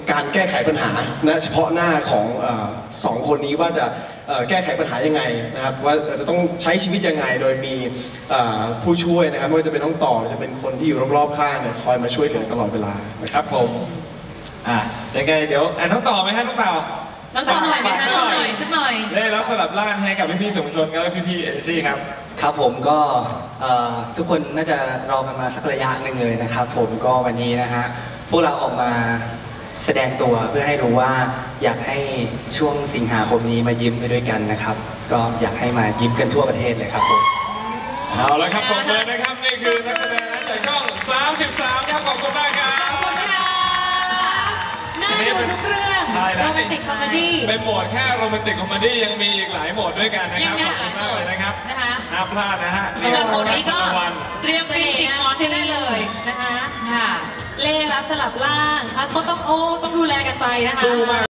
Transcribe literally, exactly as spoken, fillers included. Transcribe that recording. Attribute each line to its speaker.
Speaker 1: การแก้ไขปัญหาณเฉพาะหน้าของสองคนนี้ว่าจะแก้ไขปัญหายังไงนะครับว่าจะต้องใช้ชีวิตยังไงโดยมีผู้ช่วยนะครับไม่ว่าจะเป็นน้องต่อจะเป็นคนที่อยู่รอบๆข้างเนี่ยคอยมาช่วยเหลือตลอดเวลานะครับผม
Speaker 2: อ่ะยังไงเดี๋ยวอ่ะน้องต่อไหมฮะน้องต่อ
Speaker 3: น้องต่อหน่อยสักหน่อยสักหน่อย
Speaker 2: ได้รับสลับร่างให้กับพี่ๆสื่อมวลชนและพี่ๆเอซี่ครับ
Speaker 4: ครับผมก็ทุกคนน่าจะรอกันมาสักระยะหนึ่งเลยนะครับผมก็วันนี้นะฮะพวกเราออกมาแสดงตัวเพื่อให้รู้ว่าอยากให้ช่วงสิงหาคมนี้มายิ้มไปด้วยกันนะครับก็อยากให้มายิ้มกันทั่วประเทศเลยครับผม
Speaker 2: เอาละครับผมเลยนะครับนี่คือนักแสดงจากช่องสามสิบสามครับขอบคุณมากครับ
Speaker 3: ขอบคุณค่ะน่าดูทุกเรื่องโรแมนติกคอมเมดี้
Speaker 2: เป็นโหมดแค่โรแมนติกคอมเมดี้ยังมีอีกหลายโหมดด้วยกันนะครับขอบคุณมากเลยนะครับห้ามพลาดนะฮะ
Speaker 3: สำหรับโหมดนี้ก็เตรียมฟินจิกมอนได้เลยนะคะเล่รับสลับล่างเขาต้องโอ้ต้องดูแลกันไปนะคะ